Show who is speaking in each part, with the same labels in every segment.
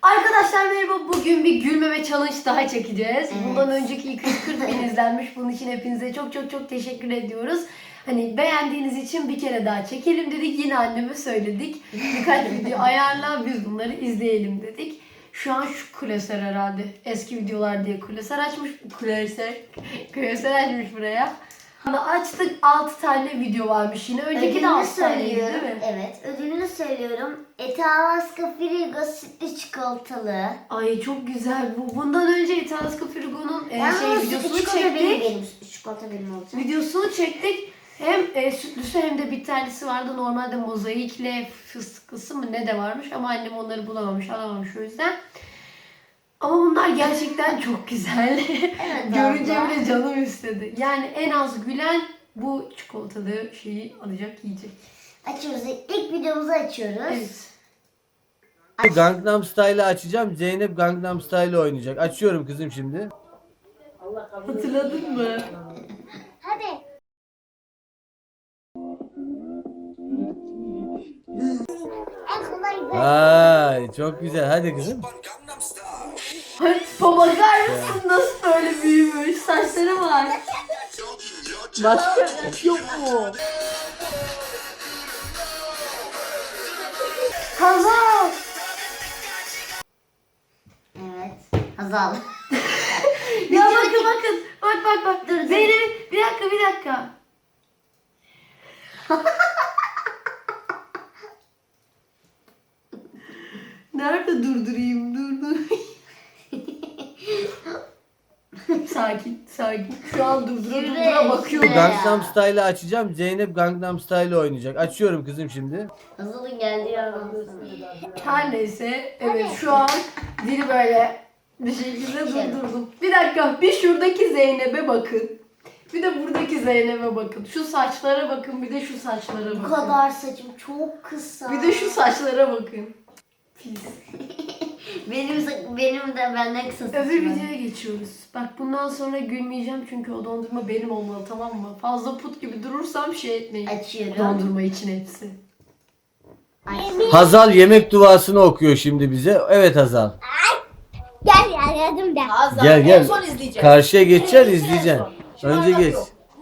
Speaker 1: Arkadaşlar merhaba. Bugün bir gülmeme challenge daha çekeceğiz. Bundan önceki 240 bin izlenmiş. Bunun için hepinize çok teşekkür ediyoruz. Hani beğendiğiniz için bir kere daha çekelim dedik. Yine anneme söyledik. Birkaç video ayarla biz bunları izleyelim dedik. Şu an şu klasör herhalde. Eski videolar diye klasör açmış. Klasör açmış buraya. Açtık 6 tane video varmış yine. Önceki de 6 taneydi değil mi?
Speaker 2: Evet, ödülünü söylüyorum. Etalaska Frigo sütlü çikolatalı.
Speaker 1: Ay çok güzel bu. Bundan önce Italiaska Frigo'nun videosunu çektik.
Speaker 2: Benim çikolata benim olacak.
Speaker 1: Videosunu çektik. Hem sütlüsü hem de bitterlisi vardı. Normalde mozaikle fıstıklısı mı ne de varmış ama annem onları bulamamış, alamamış o yüzden. Ama bunlar gerçekten çok güzel.
Speaker 2: Evet,
Speaker 1: Görünce
Speaker 2: abla.
Speaker 1: bile canım istedi. Yani en az gülen bu çikolatalı şeyi alacak, yiyecek.
Speaker 2: Açıyoruz. İlk videomuzu açıyoruz.
Speaker 1: Evet.
Speaker 3: Gangnam Style'ı açacağım. Zeynep Gangnam Style oynayacak. Açıyorum kızım şimdi.
Speaker 1: Hatırladın mı?
Speaker 2: Hadi. En kolay
Speaker 3: Ay çok güzel. Hadi kızım.
Speaker 1: Tipa bakar mısın nasıl böyle büyümüş? Saçları var. Başka yok mu? Hazal.
Speaker 2: Evet. Hazal.
Speaker 1: Ya bakın. Bak.
Speaker 2: Dur.
Speaker 1: Zeynep bir dakika. Nerede durdurayım? Dur. Sakin. Şu an durdura bakıyorum.
Speaker 2: Şuraya.
Speaker 3: Gangnam Style'ı açacağım. Zeynep Gangnam Style oynayacak. Açıyorum kızım şimdi.
Speaker 2: Hazal'ın geldiği yerden.
Speaker 1: Her neyse. Evet şu an dili böyle bir şekilde durdurdum. Bir dakika. Bir şuradaki Zeynep'e bakın. Bir de buradaki Zeynep'e bakın. Şu saçlara bakın. Bir de şu saçlara bakın.
Speaker 2: Bu kadar saçım çok kısa.
Speaker 1: Bir de şu saçlara bakın. Pis.
Speaker 2: benim de benden kısa saçım.
Speaker 1: Öbür videoya geçiyoruz. Bak bundan sonra gülmeyeceğim çünkü o dondurma benim olmalı, tamam mı? Fazla put gibi durursam şey etmeyin.
Speaker 2: Açıyorum.
Speaker 1: Dondurma için hepsi.
Speaker 3: Hazal yemek duasını okuyor şimdi bize. Evet Hazal.
Speaker 2: Gel yardım da.
Speaker 3: Gel.
Speaker 4: En son izleyeceğiz.
Speaker 3: Karşıya geçeceksin, izleyeceksin. Önce geç.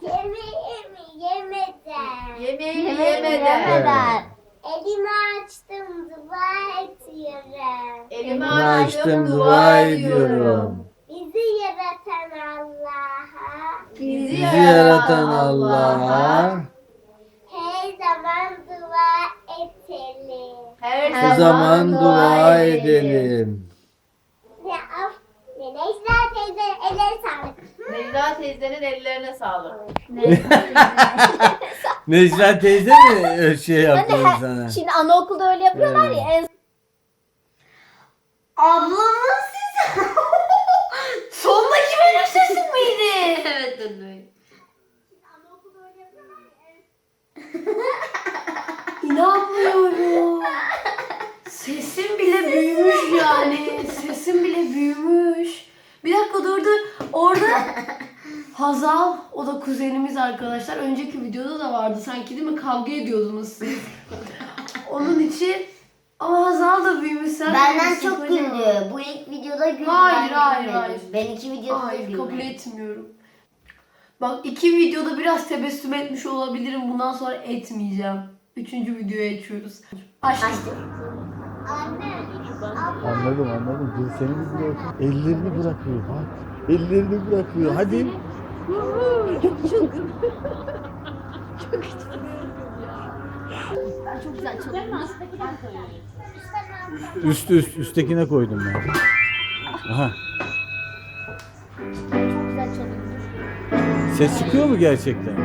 Speaker 4: Yemeğimi
Speaker 2: Yemeden.
Speaker 3: Evet.
Speaker 2: Elimi açtım, dua ediyorum.
Speaker 4: Elimi
Speaker 3: Bunu
Speaker 4: açtım, dua ediyorum.
Speaker 2: Bizi yaratan Allah'a
Speaker 4: Bizi
Speaker 3: Bizi yaratan Allah'a
Speaker 2: her zaman dua edelim.
Speaker 4: her
Speaker 3: o zaman dua edelim.
Speaker 2: Necla teyze elleri sağlık.
Speaker 4: Necla teyzenin ellerine sağlık.
Speaker 3: Necla teyze mi şey yaptı sana?
Speaker 2: Şimdi anaokulda öyle yapıyorlar ya. En... Ablamın sizi.
Speaker 1: Sondaki benim sesim miydi?
Speaker 4: Evet dur.
Speaker 1: İnanmıyorum. Sesim bile büyümüş yani. Sesim bile büyümüş. Bir dakika dur. Orada Hazal, o da kuzenimiz arkadaşlar. Önceki videoda da vardı sanki değil mi? Kavga ediyordunuz siz. Onun için ama Hazal da büyümüş. Sen
Speaker 2: Benden
Speaker 1: büyümüşsün
Speaker 2: çok
Speaker 1: kocaman.
Speaker 2: güldü. Bu ilk videoda güldü.
Speaker 1: Hayır,
Speaker 2: ben
Speaker 1: hayır,
Speaker 2: gülmedim.
Speaker 1: hayır.
Speaker 2: Ben iki videoda
Speaker 1: Hayır,
Speaker 2: güldüm.
Speaker 1: kabul etmiyorum. Bak 2 videoda biraz tebessüm etmiş olabilirim. Bundan sonra etmeyeceğim. 3. videoya geçiyoruz. Açtım.
Speaker 2: Anne.
Speaker 3: Anladım. Dur seni bir bırak. Ellerini bırakıyor bak. Ellerini bırakıyor. Hadi.
Speaker 2: Çok güzel çalıyor.
Speaker 3: Üsttekine koydum ben. Aha.
Speaker 2: Çok güzel çalıyor.
Speaker 3: Ses çıkıyor mu gerçekten?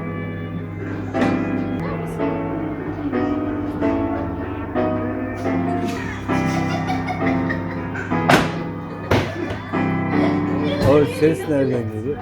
Speaker 3: O ses nereden geliyor?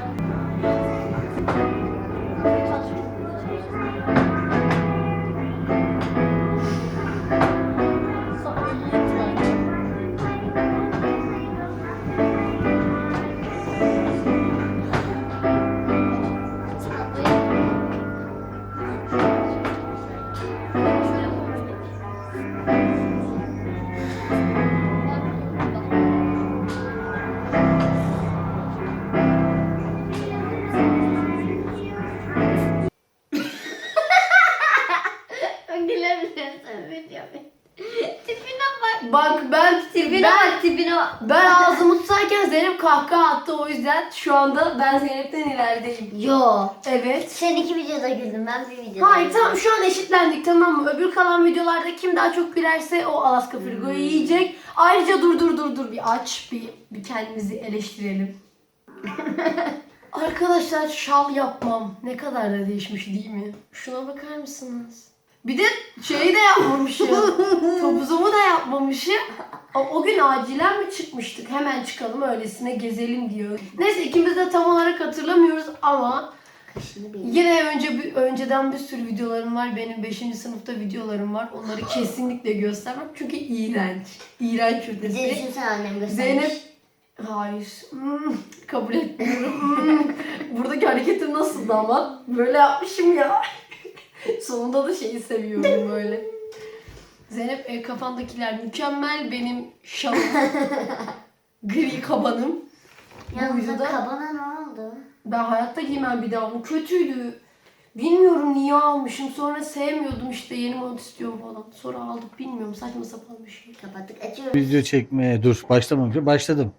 Speaker 1: Ben tipine bak.
Speaker 2: tipine
Speaker 1: Ben ağzımı tutarken Zeynep kahkaha attı, o yüzden şu anda ben Zeynep'ten ilerideyim.
Speaker 2: Yo.
Speaker 1: Evet.
Speaker 2: Sen 2 videoda güldün, ben bir videoda
Speaker 1: Hayır
Speaker 2: güldüm.
Speaker 1: tamam, şu an eşitlendik, tamam mı? Öbür kalan videolarda kim daha çok gülerse o Alaska Frigo'yu yiyecek. Ayrıca dur bir aç, bir kendimizi eleştirelim. Arkadaşlar şal yapmam ne kadar da değişmiş değil mi? Şuna bakar mısınız? Bir de şeyi de yapmamışım. Topuzumu da yapmamışım. O gün acilen mi çıkmıştık? Hemen çıkalım öylesine gezelim diyor. Neyse ikimiz de tam olarak hatırlamıyoruz ama
Speaker 2: Kaşını bir.
Speaker 1: yine önceden bir sürü videolarım var. Benim 5. sınıfta videolarım var. Onları kesinlikle göstermem çünkü iğrenç. İğrenç
Speaker 2: Bir de
Speaker 1: ötesi.
Speaker 2: düşünsene annem göstermiş.
Speaker 1: Zeynep hayır. Kabul etmiyorum. Buradaki hareketim nasıldı ama? Böyle yapmışım ya. Sonunda da şeyi seviyorum böyle. Zeynep kafandakiler mükemmel, benim şalım. Gri kabanım.
Speaker 2: Yalnız
Speaker 1: Bu videoda
Speaker 2: kabana ne oldu?
Speaker 1: ben hayatta giymem bir daha onu. Kötüydü. Bilmiyorum niye almışım. Sonra sevmiyordum işte, yeni mod istiyorum falan. Sonra aldık, bilmiyorum, saçma sapan bir şey.
Speaker 2: Kapattık, açıyoruz.
Speaker 3: Video çekmeye dur. Başlamamışım. Başladım.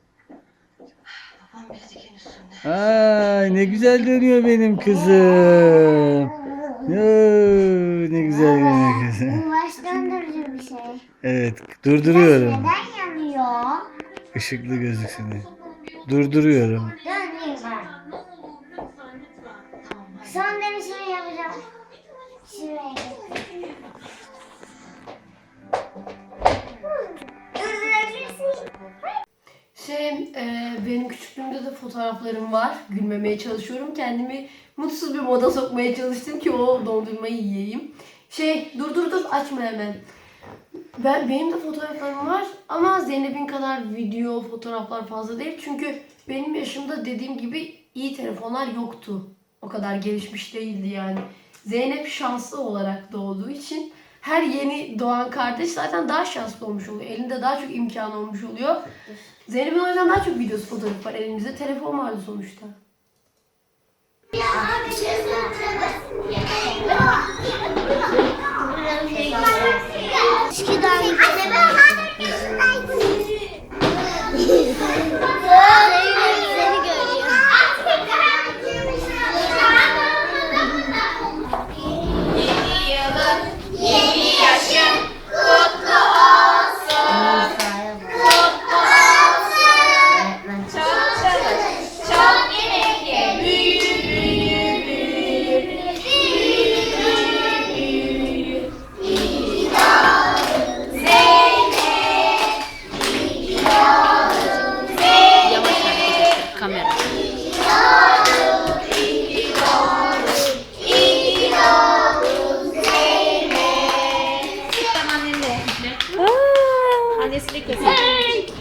Speaker 3: Ay ne güzel dönüyor benim kızım. Ne güzel dönüyor kızım.
Speaker 2: Bu baş döndürücü bir şey.
Speaker 3: Evet durduruyorum.
Speaker 2: Neden yanıyor?
Speaker 3: Işıklı gözüksün diye. Durduruyorum.
Speaker 2: Döneyim ben. Son denesini yapacağım. Şuraya getir. Durdurabilirsin.
Speaker 1: Benim küçüklüğümde de fotoğraflarım var. Gülmemeye çalışıyorum. Kendimi mutsuz bir moda sokmaya çalıştım ki o dondurmayı yiyeyim. Dur açma hemen. Benim de fotoğraflarım var ama Zeynep'in kadar video, fotoğraflar fazla değil. Çünkü benim yaşımda dediğim gibi iyi telefonlar yoktu. O kadar gelişmiş değildi yani. Zeynep şanslı olarak doğduğu için her yeni doğan kardeş zaten daha şanslı olmuş oluyor. Elinde daha çok imkan olmuş oluyor. Zeynep'in o yüzden daha çok videosu, fotoğrafı var. Elimizde telefon vardı sonuçta.
Speaker 2: Seni görüyor.
Speaker 4: Yeni yaşın kutlu olsun. Çok çalış, çok yemek ye. Büyü, büyü, büyü. Büyü, büyü, büyü. İyi doğdun Zeynep. İyi doğdun Zeynep.
Speaker 5: Yavaş hareket et kamera.
Speaker 4: İyi doğdun, iyi doğdun, iyi doğdun Zeynep.
Speaker 5: Annesiyle kesin.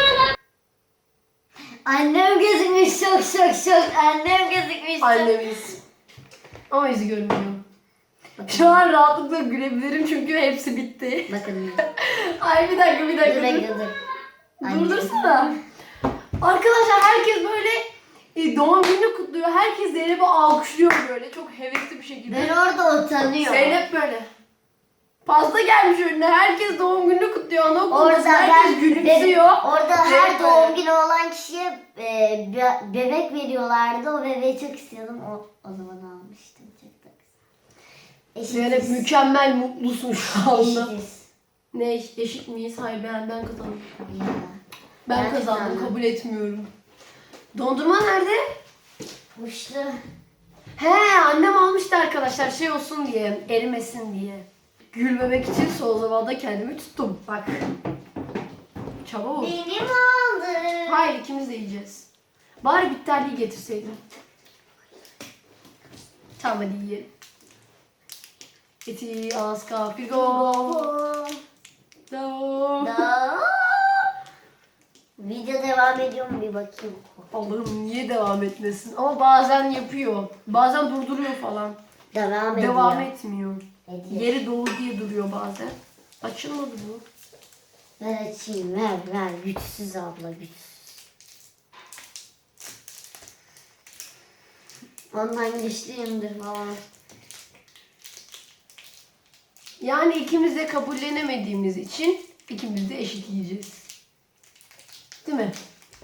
Speaker 2: Annem gözükmüş, çok. Annem gözükmüş.
Speaker 1: Annemiz. Ama yüzü görünmüyor. Şu an rahatlıkla gülebilirim çünkü hepsi bitti.
Speaker 2: Bakın.
Speaker 1: Ay bir dakika
Speaker 2: Dur
Speaker 1: dur.
Speaker 2: bekle dur.
Speaker 1: Durdursana. Arkadaşlar herkes böyle doğum gününü kutluyor. Herkes Zeynep'i alkışlıyor böyle. Çok hevesli bir şekilde.
Speaker 2: Ben orada utanıyorum.
Speaker 1: Zeynep böyle. Pasta gelmiş önüne. Herkes doğum gününü kutluyor. Anaokulunda
Speaker 2: Orada
Speaker 1: herkes gülümsüyor.
Speaker 2: Orada
Speaker 1: Zeynep
Speaker 2: her doğum
Speaker 1: böyle.
Speaker 2: günü olan kişiye bebek veriyorlardı. O bebeği çok istiyordum. O zaman almıştım. Çok da güzel.
Speaker 1: Zeynep mükemmel mutlusun şu anda.
Speaker 2: Eşitiz.
Speaker 1: Ne eşit miyiz? Hayır ben kazandım.
Speaker 2: Ya.
Speaker 1: Ben
Speaker 2: Ben
Speaker 1: kazandım.
Speaker 2: kazandım.
Speaker 1: Kabul etmiyorum. Dondurma nerede?
Speaker 2: Kuşlu.
Speaker 1: He, annem almıştı arkadaşlar, şey olsun diye, erimesin diye. Gülmemek için son zamanda kendimi tuttum. Bak. Çabuk.
Speaker 2: Benim oldu.
Speaker 1: Hayır, ikimiz de yiyeceğiz. Bari bitterliği getirseydin. Tamam hadi yiyelim. Eti Alaska Frigo.
Speaker 2: Da. Video devam ediyor mu bir bakayım.
Speaker 1: Allah'ım niye devam etmesin? Ama bazen yapıyor. Bazen durduruyor falan.
Speaker 2: Devam ediyor.
Speaker 1: Devam etmiyor.
Speaker 2: Ediyor.
Speaker 1: Yeri dolu diye duruyor bazen. Açılmadı bu.
Speaker 2: Ver açayım, ver. Güçsüz abla, güçsüz. Ondan güçlüyümdür falan.
Speaker 1: Yani ikimiz de kabullenemediğimiz için İkimiz de eşit yiyeceğiz. Değil mi?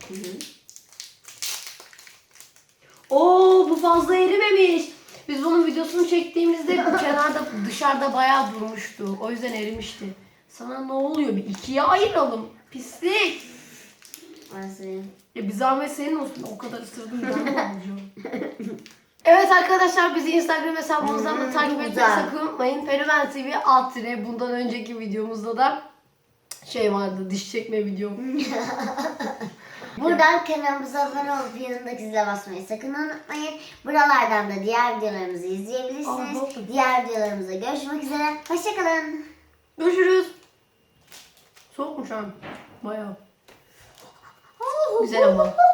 Speaker 1: Oo, bu fazla erimemiş. Biz bunun videosunu çektiğimizde kenarda dışarıda bayağı durmuştu. O yüzden erimişti. Sana ne oluyor? Bir ikiye ayıralım. Pislik.
Speaker 2: Nasıl?
Speaker 1: Bir zahmet senin olsun. O kadar ısırdım ben ne olacağım? Evet arkadaşlar, bizi Instagram hesabımızdan da takip etmeyi
Speaker 2: güzel.
Speaker 1: sakın unutmayın. Fenomen TV alt tire. Bundan önceki videomuzda da şey vardı, diş çekme videom.
Speaker 2: Buradan kanalımıza abone olup yanındaki zile basmayı sakın unutmayın. Buralardan da diğer videolarımızı izleyebilirsiniz.
Speaker 1: Aha.
Speaker 2: Diğer videolarımızda görüşmek üzere. Hoşçakalın.
Speaker 1: Görüşürüz. Soğukmuş abi. Bayağı. Güzel ama.